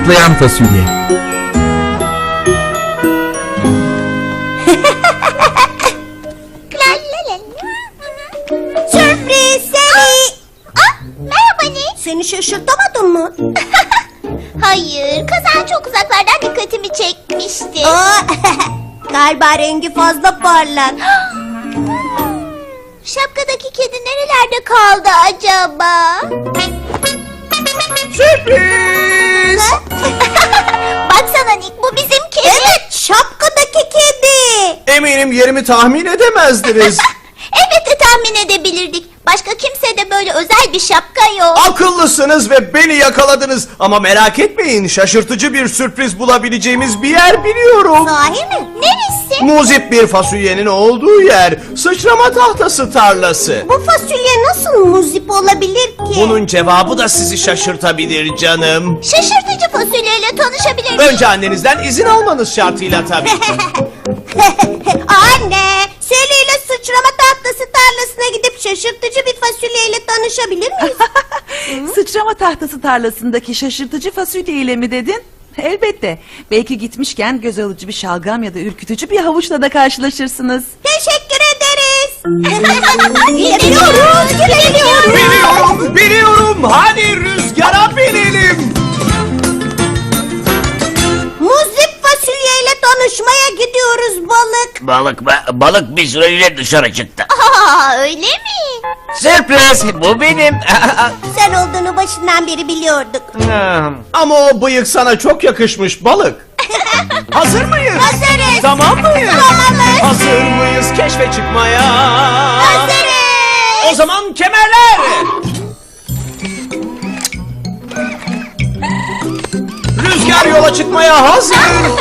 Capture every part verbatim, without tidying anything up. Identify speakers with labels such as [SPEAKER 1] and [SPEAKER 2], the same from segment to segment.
[SPEAKER 1] Zıplayan fasulye.
[SPEAKER 2] La la la la. Sürpriz seni. Ah, merhaba Nick. Seni şaşırtamadım mı? Hayır, kazan çok uzaklardan dikkatimi çekmişti. Galiba rengi fazla parlak. Şapkadaki kedi nerelerde kaldı acaba?
[SPEAKER 3] Sürpriz!
[SPEAKER 2] Baksana Nick, bu bizim kedi. Evet, şapkadaki kedi.
[SPEAKER 3] Eminim yerimi tahmin edemezdiniz.
[SPEAKER 2] Elbette tahmin edebilirdik. Başka kimsede böyle özel bir şapka yok.
[SPEAKER 3] Akıllısınız ve beni yakaladınız. Ama merak etmeyin, şaşırtıcı bir sürpriz bulabileceğimiz bir yer biliyorum.
[SPEAKER 2] Sahi mi? Neresi?
[SPEAKER 3] Muzip bir fasulyenin olduğu yer. Sıçrama tahtası tarlası.
[SPEAKER 2] Bu fasulye nasıl muzip olabilir ki?
[SPEAKER 3] Bunun cevabı da sizi şaşırtabilir canım.
[SPEAKER 2] Şaşırtıcı fasulyeyle tanışabilir miyim?
[SPEAKER 3] Önce annenizden izin almanız şartıyla tabii.
[SPEAKER 2] Anne, Sally ile sıçrama tahtası tarlasına gidip şaşırtıcı bir fasulyeyle tanışabilir miyiz?
[SPEAKER 4] Sıçrama tahtası tarlasındaki şaşırtıcı fasulye ile mi dedin? Elbette. Belki gitmişken göz alıcı bir şalgam ya da ürkütücü bir havuçla da karşılaşırsınız.
[SPEAKER 2] Teşekkür ederiz. Gidiyoruz, gidiyoruz.
[SPEAKER 3] Biliyorum, biliyorum. Hadi rüzgara binelim.
[SPEAKER 2] Muzip fasulyeyle tanışmaya gidiyoruz balık.
[SPEAKER 5] Balık mı? Balık bir süreliğine dışarı çıktı.
[SPEAKER 2] Aa, öyle mi?
[SPEAKER 5] Sürpriz, bu benim.
[SPEAKER 2] Sen olduğunu başından beri biliyorduk.
[SPEAKER 3] Ama o bıyık sana çok yakışmış balık. Hazır mıyız?
[SPEAKER 2] Hazırız.
[SPEAKER 3] Tamam mıyız?
[SPEAKER 2] Tamamız.
[SPEAKER 3] Hazır mıyız keşfe çıkmaya?
[SPEAKER 2] Hazırız.
[SPEAKER 3] O zaman kemerler. Rüzgar yola çıkmaya hazır.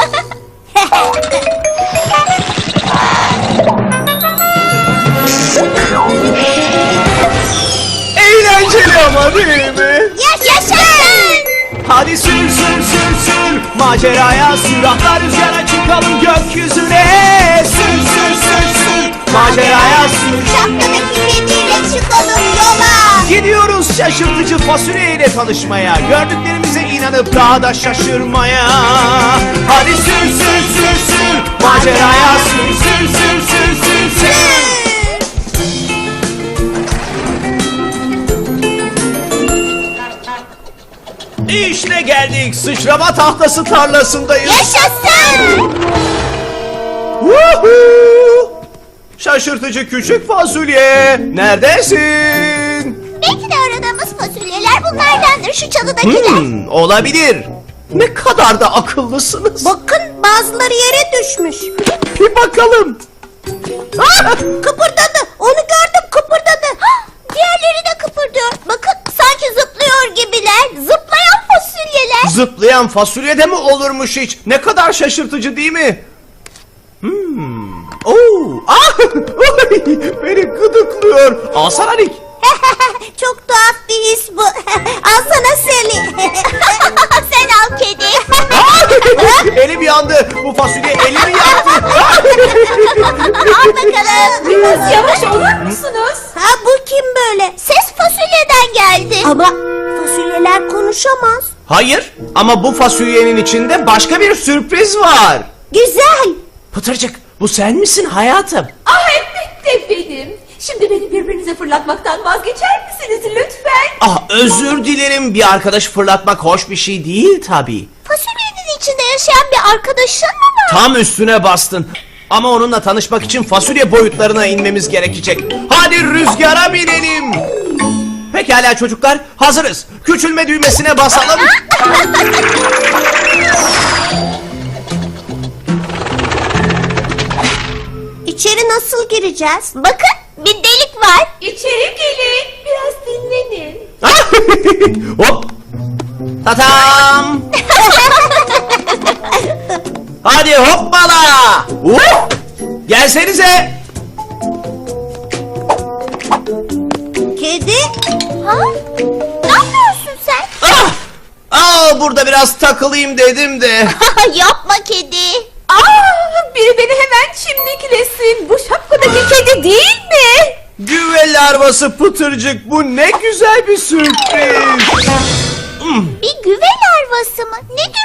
[SPEAKER 3] Eğlenceli ama değil mi?
[SPEAKER 2] Yaşasın.
[SPEAKER 3] Hadi sür sür sür sür maceraya sür, atla rüzgara çıkalım gökyüzüne. Sür sür sür sür maceraya sür.
[SPEAKER 2] Şapkadaki kediyle çıkalım yola.
[SPEAKER 3] Gidiyoruz şaşırtıcı fasulyeyle tanışmaya, gördüklerimize inanıp daha da şaşırmaya. Hadi sür sür sür sür maceraya sür sür sür sür sür sür. İşte geldik, sıçrama tahtası tarlasındayız.
[SPEAKER 2] Yaşasın.
[SPEAKER 3] Woohoo! Şaşırtıcı küçük fasulye, neredesin?
[SPEAKER 2] Belki de aradığımız fasulyeler bunlardandır, şu çalıdakiler.
[SPEAKER 3] Hmm, olabilir. Ne kadar da akıllısınız.
[SPEAKER 2] Bakın, bazıları yere düşmüş.
[SPEAKER 3] Bir bakalım.
[SPEAKER 2] Ah, kıpırdadı. Onu gördüm, kıpırdadı. Ah, diğerleri de kıpırdıyor. Bakın, sanki zıplıyor gibiler. Zıplayan fasulyeler.
[SPEAKER 3] Zıplayan fasulye de mi olurmuş hiç? Ne kadar şaşırtıcı değil mi? Hmm. Oo. Ah! Oy! Beni gıdıklıyor. Alsana Nick.
[SPEAKER 2] Çok tuhaf bir his bu. Alsana Sally. Sen al kedi.
[SPEAKER 3] Ah! Elim yandı. Bu fasulye elimi yaktı.
[SPEAKER 2] Al bakalım.
[SPEAKER 6] Biraz yavaş olur musunuz?
[SPEAKER 2] Ha, bu kim böyle? Ses fasulyeden geldi. Ama fasulyeler konuşamaz.
[SPEAKER 3] Hayır, ama bu fasulyenin içinde başka bir sürpriz var.
[SPEAKER 2] Güzel.
[SPEAKER 3] Pıtırcık, bu sen misin hayatım?
[SPEAKER 6] Ah elbette benim. Şimdi beni birbirinize fırlatmaktan vazgeçer misiniz lütfen?
[SPEAKER 3] Ah, özür dilerim, bir arkadaş fırlatmak hoş bir şey değil tabii.
[SPEAKER 2] Fasulyenin içinde yaşayan bir arkadaşın mı var?
[SPEAKER 3] Tam üstüne bastın. Ama onunla tanışmak için fasulye boyutlarına inmemiz gerekecek. Hadi rüzgara binelim. Pekala çocuklar, hazırız. Küçülme düğmesine basalım.
[SPEAKER 2] İçeri nasıl gireceğiz? Bakın, bir delik var.
[SPEAKER 6] İçeri gelin. Biraz dinlenin.
[SPEAKER 3] Hop. Tatam. Hadi hoppala. Hop. Gelsenize.
[SPEAKER 2] Kedi? Ha? Ne yapıyorsun sen?
[SPEAKER 3] Ah! Aa, burada biraz takılayım dedim de.
[SPEAKER 2] Yapma kedi.
[SPEAKER 6] Aa, biri beni hemen çimdiklesin. Bu şapkadaki kedi değil mi?
[SPEAKER 3] Güve larvası Pıtırcık, bu ne güzel bir sürpriz.
[SPEAKER 2] Bir güve larvası mı? Ne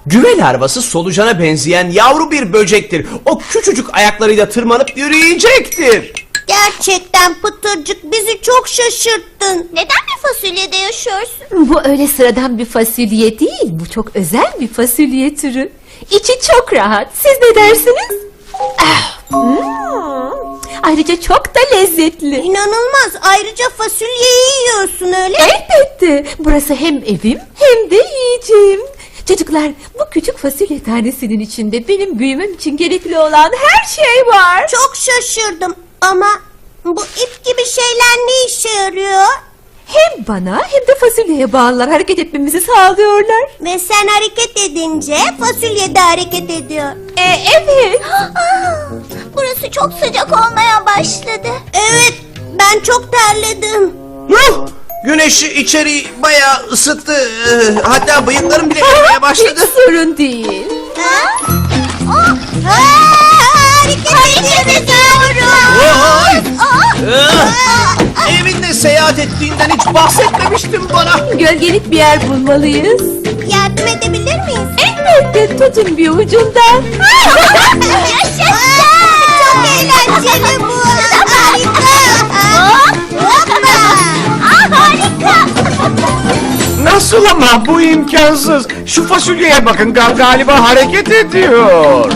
[SPEAKER 3] Güve larvası solucana benzeyen yavru bir böcektir. O küçücük ayaklarıyla tırmanıp yürüyecektir.
[SPEAKER 2] Gerçekten Pıtırcık bizi çok şaşırttın. Neden bir fasulyede yaşıyorsun?
[SPEAKER 6] Bu öyle sıradan bir fasulye değil. Bu çok özel bir fasulye türü. İçi çok rahat. Siz ne dersiniz? Ah, hmm. Ayrıca çok da lezzetli.
[SPEAKER 2] İnanılmaz. Ayrıca fasulyeyi yiyorsun öyle mi?
[SPEAKER 6] Elbette. Burası hem evim hem de yiyeceğim. Çocuklar, bu küçük fasulye tanesinin içinde benim büyümem için gerekli olan her şey var.
[SPEAKER 2] Çok şaşırdım ama bu ip gibi şeyler ne işe yarıyor?
[SPEAKER 6] Hem bana hem de fasulyeye bağlılar hareket etmemizi sağlıyorlar.
[SPEAKER 2] Ve sen hareket edince fasulye de hareket ediyor.
[SPEAKER 6] E, evet.
[SPEAKER 2] Burası çok sıcak olmaya başladı. Evet, ben çok terledim.
[SPEAKER 3] Yuh! Güneş içeriği bayağı ısıttı. Ee, Hatta bıyıklarım bile erimeye başladı.
[SPEAKER 6] Hiç sorun değil.
[SPEAKER 2] Ha? Oh! Ha, hareket, ediyorum.
[SPEAKER 3] Vay! Ee, Evinde seyahat ettiğinden hiç bahsetmemiştin bana.
[SPEAKER 6] Gölgelik bir yer bulmalıyız.
[SPEAKER 2] Yardım edebilir miyiz?
[SPEAKER 6] Elbette tutun bir ucundan.
[SPEAKER 2] Yaşasın! Çok eğlenceli bu. Harika. Hoppa. Aa, harika.
[SPEAKER 1] Nasıl ama bu imkansız. Şu fasulyeye bakın gal- galiba hareket ediyor.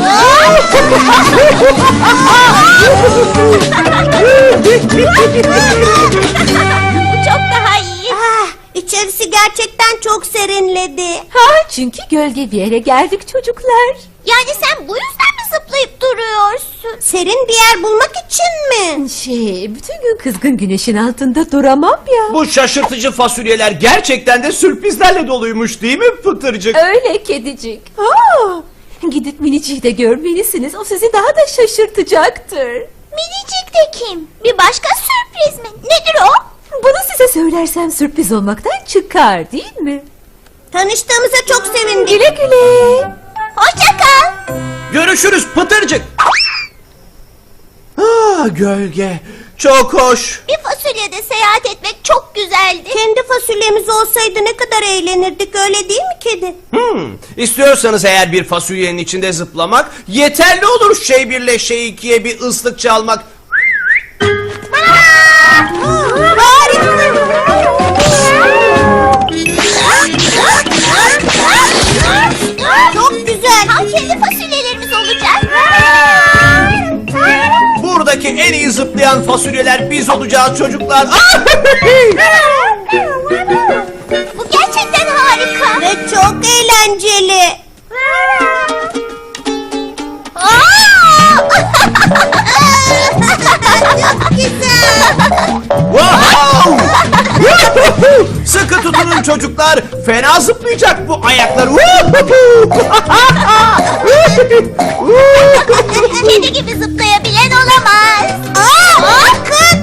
[SPEAKER 2] Bu çok daha iyi. Ah, içerisi gerçekten çok serinledi.
[SPEAKER 6] Ha, çünkü gölge bir yere geldik çocuklar.
[SPEAKER 2] Yani sen bu yüzden mi zıplayıp duruyorsun? Serin bir yer bulmak için mi?
[SPEAKER 6] Şey, bütün gün kızgın güneşin altında duramam ya.
[SPEAKER 3] Bu şaşırtıcı fasulyeler gerçekten de sürprizlerle doluymuş değil mi Pıtırcık?
[SPEAKER 6] Öyle kedicik. Aa, gidip Minici'yi de görmelisiniz. O sizi daha da şaşırtacaktır.
[SPEAKER 2] Minicik de kim? Bir başka sürpriz mi? Nedir o?
[SPEAKER 6] Bunu size söylersem sürpriz olmaktan çıkar değil mi?
[SPEAKER 2] Tanıştığımıza çok sevindim.
[SPEAKER 6] Güle güle.
[SPEAKER 2] Hoşça kal.
[SPEAKER 3] Görüşürüz Pıtırcık. Ah, gölge. Çok hoş.
[SPEAKER 2] Bir fasulyede seyahat etmek çok güzeldi. Kendi fasulyemiz olsaydı ne kadar eğlenirdik, öyle değil mi kedi?
[SPEAKER 3] Hmm, istiyorsanız eğer bir fasulyenin içinde zıplamak yeterli olur. Şey birle şey ikiye bir ıslık çalmak.
[SPEAKER 2] Çok güzel. Tam kendi fasulyelerimiz olacak.
[SPEAKER 3] Buradaki en iyi zıplayan fasulyeler biz olacağız çocuklar.
[SPEAKER 2] Bu gerçekten harika. Ve çok eğlenceli. Çok güzel.
[SPEAKER 3] Wow! Sıkı tutunun çocuklar. Fena zıplayacak bu ayaklar.
[SPEAKER 2] Kedi gibi zıplayabilen olamaz. Aa, bakın.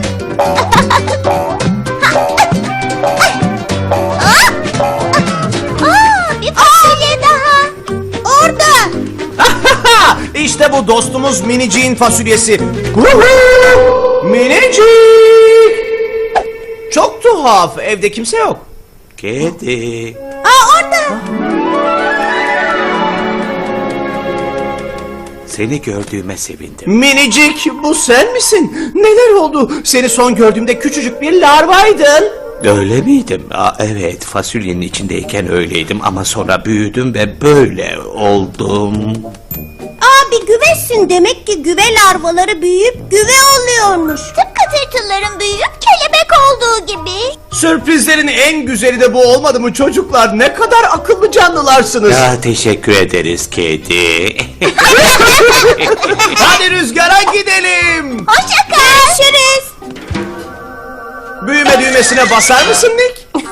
[SPEAKER 2] Aa, bir fasulye daha. Orada.
[SPEAKER 3] İşte bu dostumuz Minicik'in fasulyesi. Minicik! Çok tuhaf. Evde kimse yok. Kedi.
[SPEAKER 2] Aa, orada.
[SPEAKER 1] Seni gördüğüme sevindim.
[SPEAKER 3] Minicik, bu sen misin? Neler oldu? Seni son gördüğümde küçücük bir larvaydın.
[SPEAKER 1] Öyle miydim? Aa, evet, fasulyenin içindeyken öyleydim ama sonra büyüdüm ve böyle oldum.
[SPEAKER 2] Aa, bir güvesin. Demek ki güve larvaları büyüyüp güve oluyormuş. Tıpkı tırtılların büyüyüp kelebek olduğu gibi.
[SPEAKER 3] Sürprizlerin en güzeli de bu olmadı mı çocuklar? Ne kadar akıllı canlılarsınız.
[SPEAKER 1] Ya teşekkür ederiz kedi.
[SPEAKER 3] Hadi rüzgara gidelim.
[SPEAKER 2] Hoşça kal. Görüşürüz.
[SPEAKER 3] Büyüme düğmesine basar mısın Nick?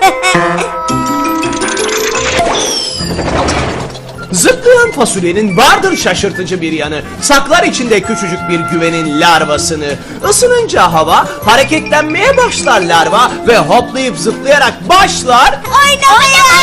[SPEAKER 3] Zıplayan fasulyenin vardır şaşırtıcı bir yanı. Saklar içinde küçücük bir güvenin larvasını. Isınınca hava, hareketlenmeye başlar larva ve hoplayıp zıplayarak başlar.
[SPEAKER 2] Oynamaya.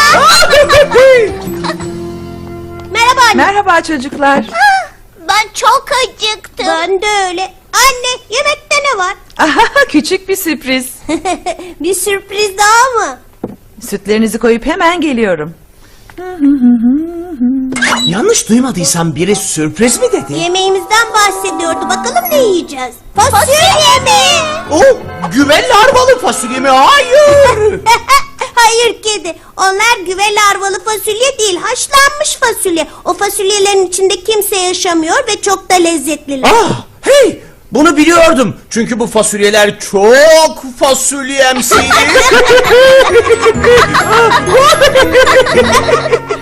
[SPEAKER 2] Merhaba anne.
[SPEAKER 4] Merhaba çocuklar.
[SPEAKER 2] Ben çok acıktım. Ben de öyle. Anne, yemekte ne var?
[SPEAKER 4] Aha, küçük bir sürpriz.
[SPEAKER 2] Bir sürpriz daha mı?
[SPEAKER 4] Sütlerinizi koyup hemen geliyorum.
[SPEAKER 3] Yanlış duymadıysam biri sürpriz mi dedi?
[SPEAKER 2] Yemeğimizden bahsediyordu. Bakalım ne yiyeceğiz? Fasulye mi?
[SPEAKER 3] Oh, güve larvalı fasulye mi? Hayır.
[SPEAKER 2] Hayır kedi. Onlar güve larvalı fasulye değil. Haşlanmış fasulye. O fasulyelerin içinde kimse yaşamıyor ve çok da lezzetliler.
[SPEAKER 3] Ah, hey, bunu biliyordum. Çünkü bu fasulyeler çok fasulyemsiydi.